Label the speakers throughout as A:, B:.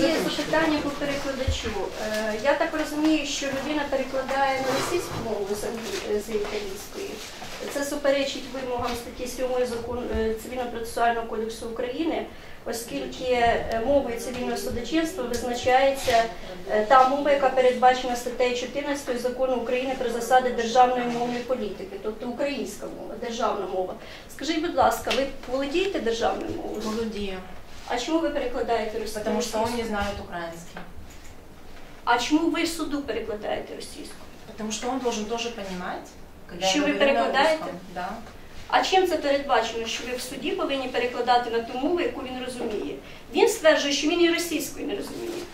A: є запитання по перекладачу. Я так розумію, що людина перекладає на російську мову з італійської. Це суперечить вимогам статті 7 закону Цивільно-процесуального кодексу України, оскільки мовою цивільного судочинства визначається та мова, яка передбачена статтею 14 закону України про засади державної мовної політики, тобто українська мова, державна мова. Скажіть, будь ласка, ви володієте державною мовою?
B: Володію.
A: А чому ви перекладаєте російську?
B: Потому что он не знает украинский.
A: А чому ви суду перекладаєте російську?
B: Потому что он должен тоже понимать, когда
A: Що
B: я
A: ви
B: говорю на
A: перекладаєте?
B: русском. Да.
A: А чим це передбачено, що ви в суді повинні перекладати на ту мову, яку він розуміє? Він стверджує, що він і російською не розуміє.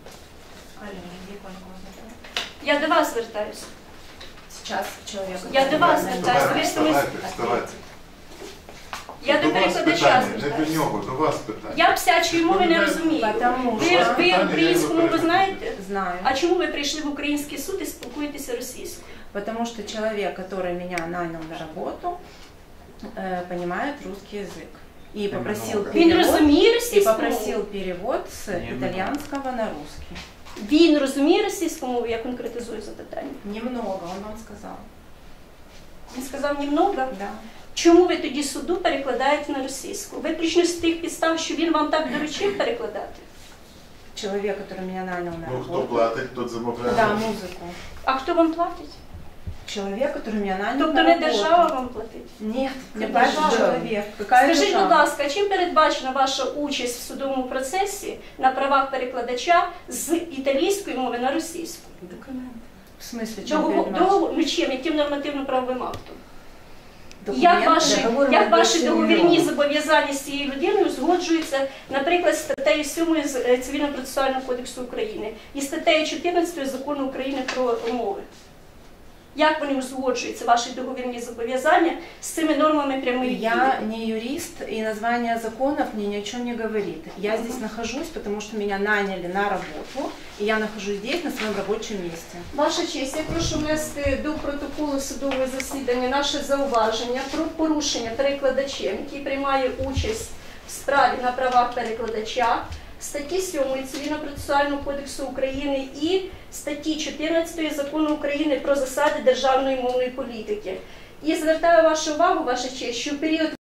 A: Я до вас звертаюся.
B: Сейчас человек...
A: Я до вас звертаюся.
C: Вставайте.
A: Я до перекладача
C: Не до
A: звертаюся.
C: нього, до вас питання.
A: Я псячої мови не розумію.
B: Потому
A: Ви
B: что...
A: українську мову знаєте?
B: Знаю.
A: А чому ви прийшли в український суд і спілкуєтеся російською?
B: Потому что человек, который меня нанял на работу, понимает русский язык. И попросил
A: Він
B: перевод,
A: розуміє
B: и
A: російську
B: попросил
A: мову?
B: перевод с итальянского на русский.
A: Він розуміє російську мову, я конкретизую запитання.
B: Немного, он вам сказал.
A: Він сказав немного.
B: Да.
A: Чому ви тоді суду перекладаєте на російську? Виключно з тих підстав, що він вам так доручив перекладати?
B: Человек, который меня нанял на
C: Ну, хто
B: работу.
C: платить, тот замовляє.
B: Да, музыку.
A: А хто вам платить?
B: Человек, который меня нанял
A: Тобто
B: на
A: не
B: работу.
A: держава вам платить?
B: Нет, мне
A: Держава.
B: платит человек. Какая
A: Скажіть,
B: держава?
A: будь ласка, чим передбачена ваша участь в судовому процесі на правах перекладача з італійської мови на російську?
B: Документ. В смысле, чем передбачено?
A: Ну чим? Яким нормативно-правовим актом?
B: Документы.
A: Як ваші договірні зобов'язання з цією людиною узгоджуються, наприклад, статтею 7 Цивільно-процесуального кодексу України і статтею 14 Закону України про мови? Як вони узгоджуються, ваші договірні зобов'язання з цими нормами прямої дії?
B: Я не юрист, и название законов мне ни о чем не говорит. Я здесь нахожусь, потому что меня наняли на работу, и я нахожусь здесь, на своем рабочем месте.
A: Ваша честь, я прошу внести до протоколу судового засідання наше зауваження про порушення перекладачем, який приймає участь в справі на правах перекладача, статті 7 Цивільно-процесуального кодексу України і статті 14 Закону України про засади державної мовної політики. І звертаю вашу увагу, ваша честь, що в період